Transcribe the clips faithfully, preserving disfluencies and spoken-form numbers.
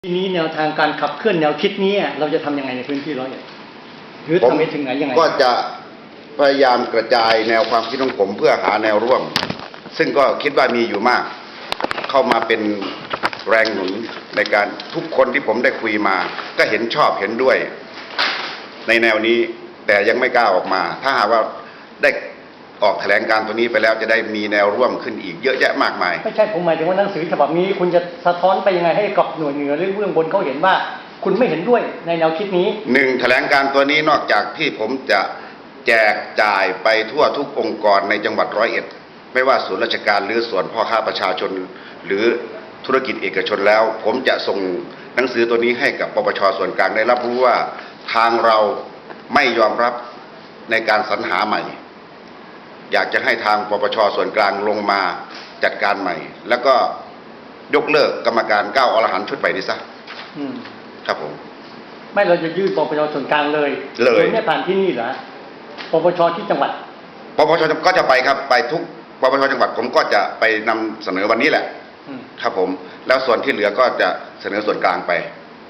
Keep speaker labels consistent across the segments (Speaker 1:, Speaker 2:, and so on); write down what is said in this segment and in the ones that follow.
Speaker 1: ทีนี้แนวทางการขับเคลื่อนแนวคิดนี้เราจะทำยังไงในพื้นที่ร้อยเอ็ดหรือทำไปถึงไหนยังไง
Speaker 2: ก็จะพยายามกระจายแนวความคิดของผมเพื่อหาแนวร่วมซึ่งก็คิดว่ามีอยู่มากเข้ามาเป็นแรงหนุนในการทุกคนที่ผมได้คุยมาก็เห็นชอบเห็นด้วยในแนวนี้แต่ยังไม่กล้าออกมาถ้าหากว่าได้ออกแถลงการตัวนี้ไปแล้วจะได้มีแนวร่วมขึ้นอีกเยอะแยะมากมาย
Speaker 1: ไม่ใช่ผมหมายถึงว่าหนังสือฉบับนี้คุณจะสะท้อนไปยังไงให้กับหน่วยเหนือหรือเบื้องบนเขาเห็นว่าคุณไม่เห็นด้วยในแนวคิดนี้
Speaker 2: หนึ่งแถลงการตัวนี้นอกจากที่ผมจะแจกจ่ายไปทั่วทุกองค์กรในจังหวัดร้อยเอ็ดไม่ว่าส่วนราชการหรือส่วนพ่อค้าประชาชนหรือธุรกิจเอกชนแล้วผมจะส่งหนังสือตัวนี้ให้กับปปชส่วนกลางได้รับรู้ว่าทางเราไม่ยอมรับในการสรรหาใหม่อยากจะให้ทางปปชส่วนกลางลงมาจัดการใหม่แล้วก็ยกเลิกกรรมการเก้าอรหันต์ชุดใหม่นี้ซะครับผม
Speaker 1: ไม่เราจะยื่นปปชส่วนกลางเลย
Speaker 2: เลย
Speaker 1: ไม่ผ่านที่นี่เหรอปปชที่จังหวัด
Speaker 2: ปปชก็จะไปครับไปทุกปปชจังหวัดผมก็จะไปนำเสนอวันนี้แหละครับผมแล้วส่วนที่เหลือก็จะเสนอส่วนกลางไป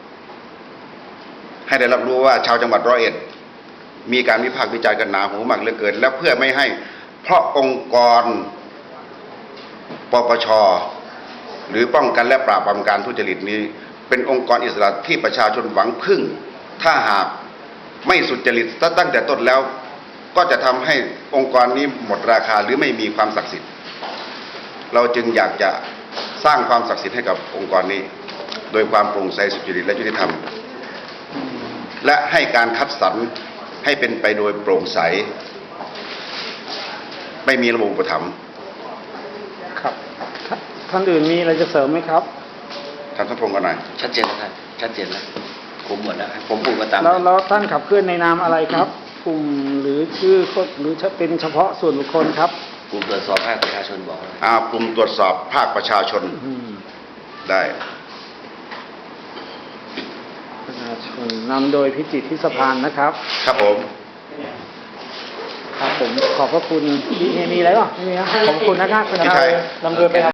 Speaker 2: ให้ได้รับรู้ว่าชาวจังหวัดร้อยเอ็ดมีการวิพากษ์วิจารณ์กันหนาหูมากเหลือเกินแล้วเพื่อไม่ให้เพราะองค์กรปปชหรือป้องกันและปราบปรามการทุจริตนี้เป็นองค์กรอิสระที่ประชาชนหวังพึ่งถ้าหากไม่สุจริตตั้งแต่ต้นแล้วก็จะทำให้องค์กรนี้หมดราคาหรือไม่มีความศักดิ์สิทธิ์เราจึงอยากจะสร้างความศักดิ์สิทธิ์ให้กับองค์กรนี้โดยความโปร่งใสสุจริตและยุติธรรมและให้การคัดสรรให้เป็นไปโดยโปร่งใสไม่มีระบบอุปถัมภ์
Speaker 3: ครับท่านอื่นมีอะไรจะเสริมไหมครับ
Speaker 2: ท่านสมพงศ์กันหน่อย
Speaker 4: ชัดเจนแล้วครับชัดเจนแล้วผมหมดแล้วผมพูดมาตาม
Speaker 3: แล้วแล้วท่านขับเคลื่อนในนามอะไรครับกลุ่มหรือชื่อหรือเป็นเฉพาะส่วนบุคคลครับ
Speaker 4: กลุ่มตรวจสอบภาคประชาชนบอก
Speaker 2: อ่ากลุ่มตรวจสอบภาคประชาชนได้
Speaker 3: ประชาชนนำโดยพิจิตรทิศพานนะครับ
Speaker 2: ครับผม
Speaker 3: ครับผมขอบพระคุณมีมีอะไรบ้างไม่มีครับขอบคุณนะครับ
Speaker 1: นำโดยไป